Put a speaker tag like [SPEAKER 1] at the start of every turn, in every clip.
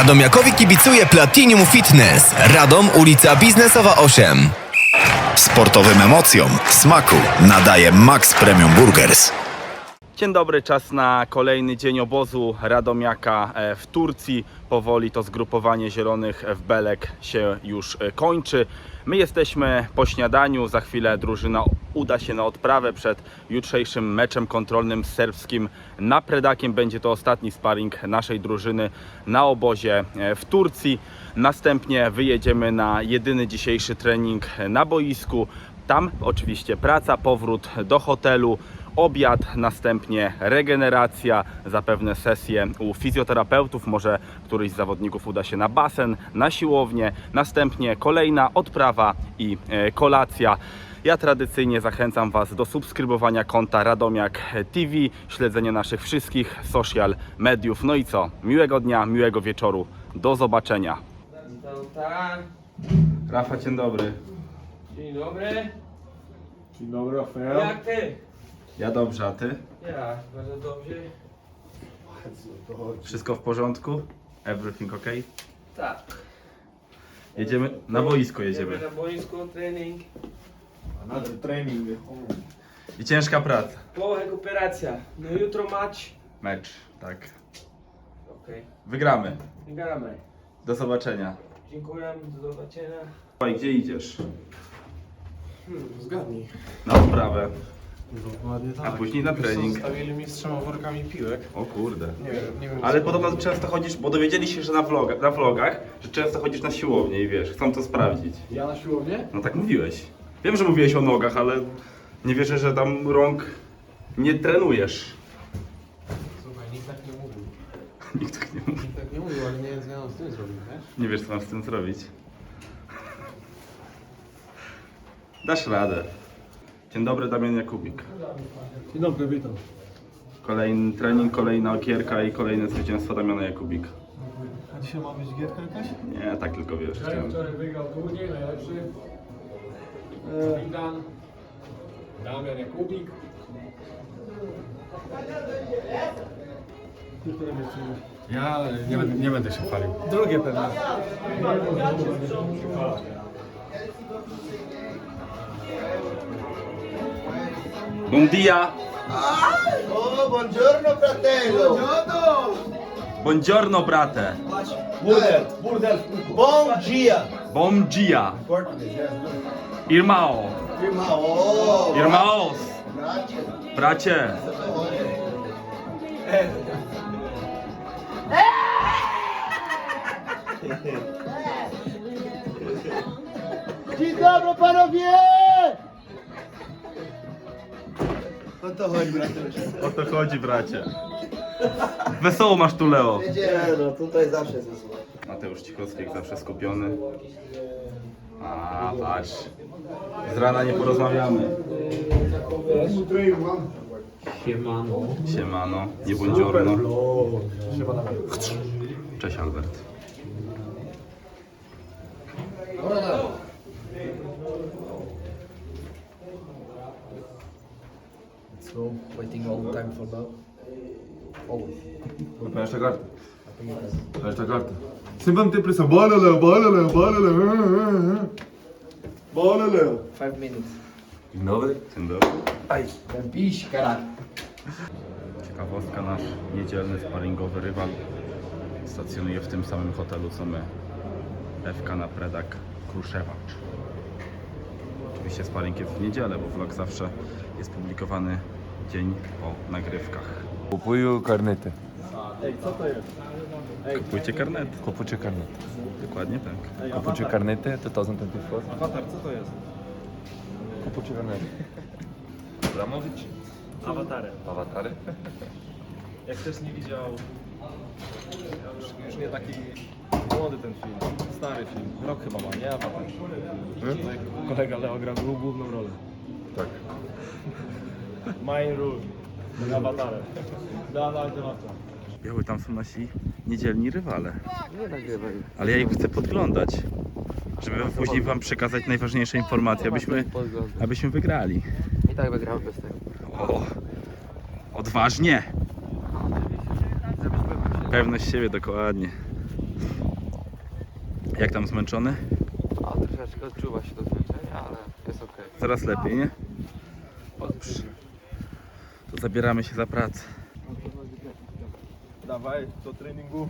[SPEAKER 1] Radomiakowi kibicuje Platinum Fitness. Radom, ulica Biznesowa 8.
[SPEAKER 2] Sportowym emocjom smaku nadaje Max Premium Burgers.
[SPEAKER 3] Dzień dobry, czas na kolejny dzień obozu Radomiaka w Turcji. Powoli to zgrupowanie zielonych w Belek się już kończy. My jesteśmy po śniadaniu, za chwilę drużyna uda się na odprawę przed jutrzejszym meczem kontrolnym z serbskim Napredakiem. Będzie to ostatni sparring naszej drużyny na obozie w Turcji. Następnie wyjedziemy na jedyny dzisiejszy trening na boisku. Tam oczywiście praca, powrót do hotelu, obiad, następnie regeneracja, zapewne sesje u fizjoterapeutów, może któryś z zawodników uda się na basen, na siłownię, następnie kolejna odprawa i kolacja. Ja tradycyjnie zachęcam Was do subskrybowania konta Radomiak TV, śledzenia naszych wszystkich social mediów. No i co? Miłego dnia, miłego wieczoru. Do zobaczenia. Rafa, dzień dobry.
[SPEAKER 4] Dzień dobry.
[SPEAKER 5] Dzień dobry, Rafael.
[SPEAKER 4] Jak ty?
[SPEAKER 3] Ja dobrze, a Ty?
[SPEAKER 4] Ja, bardzo dobrze.
[SPEAKER 3] Wszystko w porządku? Everything ok?
[SPEAKER 4] Tak.
[SPEAKER 3] Jedziemy na boisko, jedziemy.
[SPEAKER 4] Na boisko, trening.
[SPEAKER 5] Another training.
[SPEAKER 3] I ciężka praca.
[SPEAKER 4] Po rekuperacja. No jutro
[SPEAKER 3] Mecz, tak.
[SPEAKER 4] Okej.
[SPEAKER 3] Wygramy.
[SPEAKER 4] Gramy.
[SPEAKER 3] Do zobaczenia.
[SPEAKER 4] Dziękuję, do zobaczenia.
[SPEAKER 3] Oj, gdzie idziesz?
[SPEAKER 5] Zgadnij.
[SPEAKER 3] Na odprawę.
[SPEAKER 5] Dokładnie tak.
[SPEAKER 3] A później na trening.
[SPEAKER 5] Zostawili mi z 3 workami piłek.
[SPEAKER 3] O kurde.
[SPEAKER 5] Nie wiem.
[SPEAKER 3] Ale podobno często chodzisz, bo dowiedzieli się, że na vlogach, że często chodzisz na siłownię i wiesz, chcą to sprawdzić.
[SPEAKER 5] Ja na siłownię?
[SPEAKER 3] No tak mówiłeś. Wiem, że mówiłeś o nogach, ale nie wierzę, że tam rąk nie trenujesz.
[SPEAKER 5] Słuchaj, nikt tak nie mówił.
[SPEAKER 3] Nikt tak nie mówi.
[SPEAKER 5] Nikt tak nie mówił, ale nie wiem, co ja mam z tym zrobić, wiesz?
[SPEAKER 3] Nie wiesz, co mam z tym zrobić. Dasz radę. Dzień dobry, Damian Jakubik.
[SPEAKER 5] Dzień dobry, witam.
[SPEAKER 3] Kolejny trening, kolejna okierka i kolejne zwycięstwo Damiana Jakubik.
[SPEAKER 5] A dzisiaj ma być gierka jakaś?
[SPEAKER 3] Nie, tak tylko wiesz. Chciałem.
[SPEAKER 6] Wczoraj wygrał turniej, najlepszy. Widan, Damian Jakubik.
[SPEAKER 5] Ja nie będę się chwalił.
[SPEAKER 6] Drugie pewnie.
[SPEAKER 3] Bom dia!
[SPEAKER 7] Oh, buongiorno fratello!
[SPEAKER 3] Buongiorno, brate!
[SPEAKER 7] Bom dia!
[SPEAKER 3] Bom dia! Irmão!
[SPEAKER 7] Irmão!
[SPEAKER 3] Irmãos!
[SPEAKER 7] Grazie.
[SPEAKER 3] Bracie!
[SPEAKER 7] Dzień dobry panowie! O to chodzi, bracie.
[SPEAKER 3] O to chodzi, bracie. Wesoło masz tu, Leo.
[SPEAKER 7] Nie, no tutaj zawsze jest wesoło.
[SPEAKER 3] Mateusz Cichowski jak zawsze skupiony. A, patrz. Z rana nie porozmawiamy. Siemano, nie buongiorno. Cześć, Albert.
[SPEAKER 6] So, waiting all the time for that. Always.
[SPEAKER 5] Peço a carta. Peço a carta. Sempre a meter pressão. Bola, Léo, bola, Léo, bola, Léo. Bola, Léo.
[SPEAKER 6] 5 minutes.
[SPEAKER 5] Dzień dobry.
[SPEAKER 3] Dzień dobry.
[SPEAKER 6] Ten piś, caralho.
[SPEAKER 3] Ciekawostka, nasz niedzielny sparingowy rywal stacjonuje w tym samym hotelu co my. FK Napredak Kruszewacz. Oczywiście sparing jest w niedzielę, bo vlog zawsze jest publikowany dzień po nagrywkach.
[SPEAKER 8] Kupuję karnety.
[SPEAKER 3] Kupujcie karnet.
[SPEAKER 8] Kupuję karnety.
[SPEAKER 3] Dokładnie tak.
[SPEAKER 8] Kupuję karnety 2024.
[SPEAKER 6] Awatar, co to jest?
[SPEAKER 8] Kupuję karnety. Abramowicz?
[SPEAKER 6] Awatary.
[SPEAKER 8] Awatary?
[SPEAKER 6] Jak ktoś nie widział, już nie taki młody ten film, stary film, rok chyba ma, nie? Awatar. Tutaj kolega Leo grał główną rolę.
[SPEAKER 8] Tak.
[SPEAKER 6] Main rule. Awatarem. Dawaj, dawaj.
[SPEAKER 3] Biały, tam są nasi niedzielni rywale. Nie nagrywaj. Ale ja ich chcę podglądać. Żeby później wam przekazać najważniejsze informacje, abyśmy wygrali.
[SPEAKER 9] I tak wygrałem bez tego.
[SPEAKER 3] O, odważnie. Pewność siebie, dokładnie. Jak tam zmęczony?
[SPEAKER 6] A troszeczkę odczuwa się to zmęczenie, ale jest okej.
[SPEAKER 3] Coraz lepiej, nie? Dobrze. To zabieramy się za pracę.
[SPEAKER 5] Dawaj, do treningu.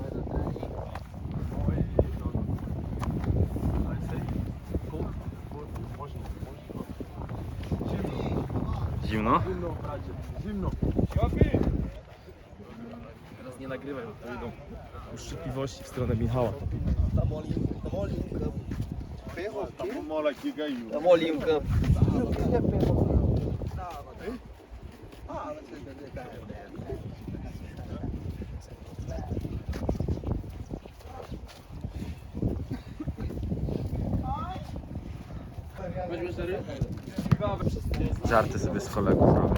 [SPEAKER 3] Zimno?
[SPEAKER 5] Zimno.
[SPEAKER 6] Teraz nie nagrywaj, bo to idą uszczypliwości w stronę Michała.
[SPEAKER 7] Tam Olimka.
[SPEAKER 3] Żarty sobie z kolegów robię.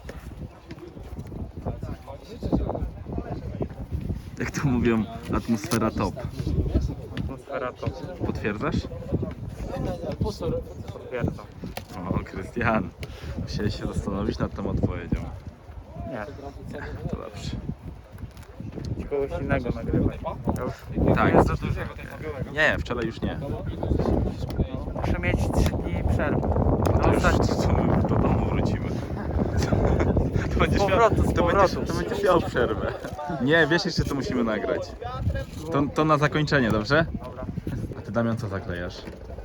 [SPEAKER 3] Jak to mówią, atmosfera top.
[SPEAKER 6] Atmosfera to.
[SPEAKER 3] Potwierdzasz?
[SPEAKER 6] Potwierdzam.
[SPEAKER 3] O, Krystian. Musiałeś się zastanowić nad tą odpowiedzią.
[SPEAKER 6] Nie.
[SPEAKER 3] To dobrze.
[SPEAKER 6] Kogoś innego nagrywaj.
[SPEAKER 3] Tak.
[SPEAKER 6] Jest za dużo.
[SPEAKER 3] Nie, wczoraj już nie.
[SPEAKER 6] Muszę mieć 3 dni przerwy.
[SPEAKER 3] To już co my do domu wrócimy. To będziesz miał, to będziesz miał przerwę. Nie, wiesz jeszcze co musimy nagrać. To na zakończenie, dobrze?
[SPEAKER 6] Dobra.
[SPEAKER 3] A ty, Damian, co zaklejasz?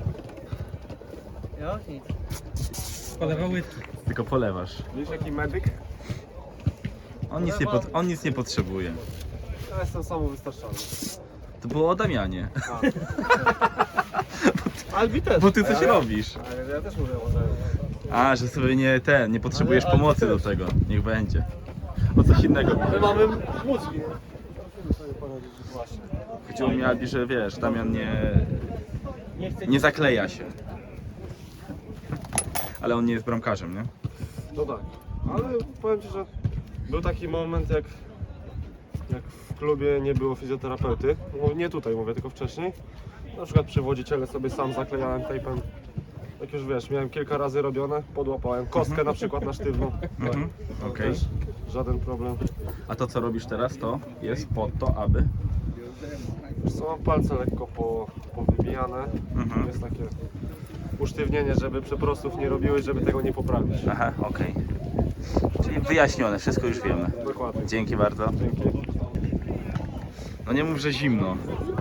[SPEAKER 7] Ja nic.
[SPEAKER 6] Polewa łydki.
[SPEAKER 3] Tylko polewasz.
[SPEAKER 6] Wiesz jaki medyk?
[SPEAKER 3] On nic nie potrzebuje.
[SPEAKER 6] Ja jestem samowystarczalny.
[SPEAKER 3] To było o Damianie.
[SPEAKER 6] Albi też.
[SPEAKER 3] Bo ty coś robisz.
[SPEAKER 6] Ale ja też mówię o tym.
[SPEAKER 3] A, że sobie nie potrzebujesz pomocy do tego. Niech będzie. O coś innego.
[SPEAKER 6] My mamy mózgi.
[SPEAKER 3] Chodziło mi, Albi, że wiesz, Damian nie zakleja się. Ale on nie jest bramkarzem, nie?
[SPEAKER 9] No tak, ale powiem Ci, że był taki moment, jak w klubie nie było fizjoterapeuty. No, nie tutaj mówię, tylko wcześniej. Na przykład przy wodziciele sobie sam zaklejałem tejpem. Jak już wiesz, miałem kilka razy robione, podłapałem kostkę na przykład na sztywno.
[SPEAKER 3] Mhm. Okej.
[SPEAKER 9] Też żaden problem.
[SPEAKER 3] A to co robisz teraz, to jest po to, aby...
[SPEAKER 9] Wiesz co, mam palce lekko powybijane.
[SPEAKER 3] Mhm.
[SPEAKER 9] Jest takie usztywnienie, żeby przeprostów nie robiły, żeby tego nie poprawić.
[SPEAKER 3] Aha, okej. Czyli wyjaśnione, wszystko już wiemy.
[SPEAKER 9] Dokładnie.
[SPEAKER 3] Dzięki bardzo.
[SPEAKER 9] Dzięki.
[SPEAKER 3] No nie mów, że zimno.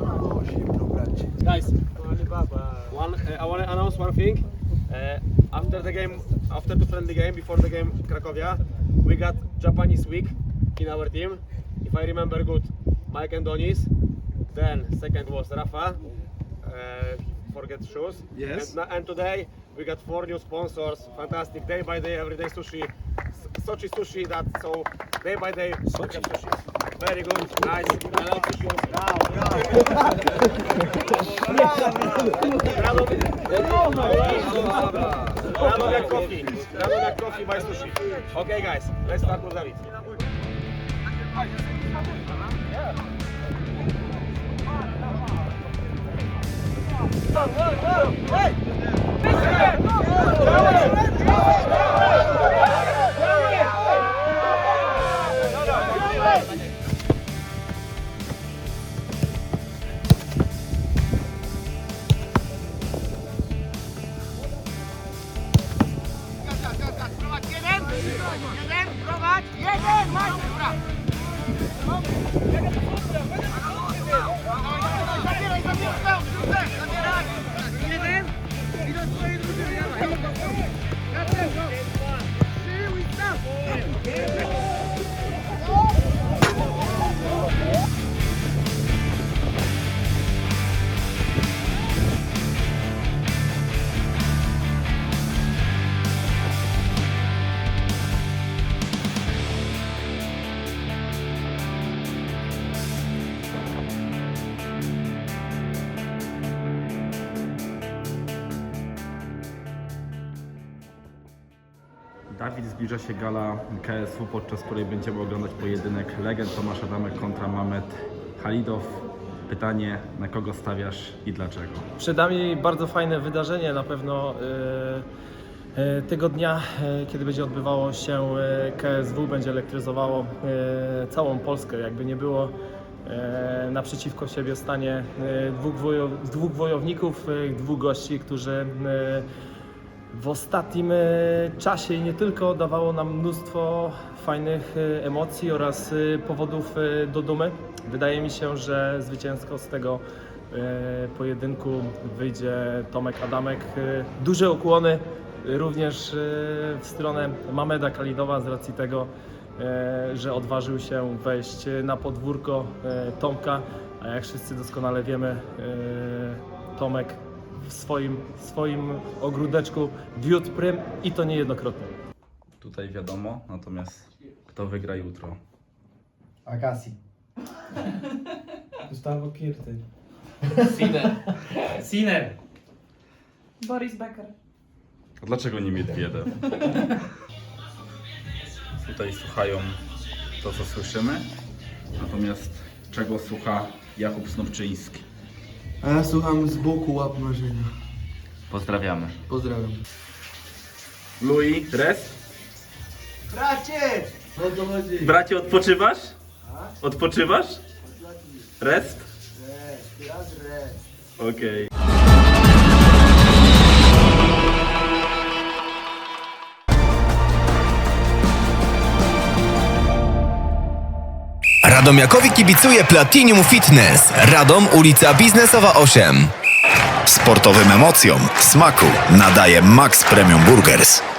[SPEAKER 10] Guys, I want to announce one thing. After the friendly game, before the game Cracovia, we got Japanese week in our team. If I remember good, Mike and Donis. Then second was Rafa. Forget shoes.
[SPEAKER 9] Yes.
[SPEAKER 10] And today we got 4 new sponsors. Fantastic day by day, everyday sushi. Sochi sushi. That so day by day. Sochi sushi. Very good, nice. I love sushi. Radomiak coffee. Radomiak coffee by sushi. Okay, guys, let's start with David.
[SPEAKER 3] Dawid, zbliża się gala KSW, podczas której będziemy oglądać pojedynek legend Tomasz Adamek kontra Mamet Halidow. Pytanie, na kogo stawiasz i dlaczego?
[SPEAKER 6] Przed nami bardzo fajne wydarzenie, na pewno tego dnia, kiedy będzie odbywało się KSW, będzie elektryzowało całą Polskę. Jakby nie było, naprzeciwko siebie stanie dwóch wojowników, dwóch gości, którzy w ostatnim czasie i nie tylko dawało nam mnóstwo fajnych emocji oraz powodów do dumy. Wydaje mi się, że zwycięsko z tego pojedynku wyjdzie Tomek Adamek. Duże ukłony również w stronę Mameda Khalidowa z racji tego, że odważył się wejść na podwórko Tomka, a jak wszyscy doskonale wiemy, Tomek w swoim ogródeczku wiódł prym i to niejednokrotnie.
[SPEAKER 3] Tutaj wiadomo, natomiast kto wygra jutro?
[SPEAKER 7] Agassi.
[SPEAKER 4] Gustavo Kirty.
[SPEAKER 6] Sinner.
[SPEAKER 11] Boris Becker.
[SPEAKER 3] A dlaczego nie Miedwiedew? Tutaj słuchają to, co słyszymy, natomiast czego słucha Jakub Snowczyński?
[SPEAKER 7] A ja słucham z boku łap marzenia.
[SPEAKER 3] Pozdrawiamy.
[SPEAKER 7] Pozdrawiam.
[SPEAKER 3] Louis, rest?
[SPEAKER 7] Bracie! O to chodzi.
[SPEAKER 3] Bracie, odpoczywasz? Odpoczywasz? Rest?
[SPEAKER 7] Teraz rest.
[SPEAKER 3] Okej.
[SPEAKER 1] Radomiakowi kibicuje Platinum Fitness. Radom, ulica Biznesowa 8.
[SPEAKER 2] Sportowym emocjom smaku nadaje Max Premium Burgers.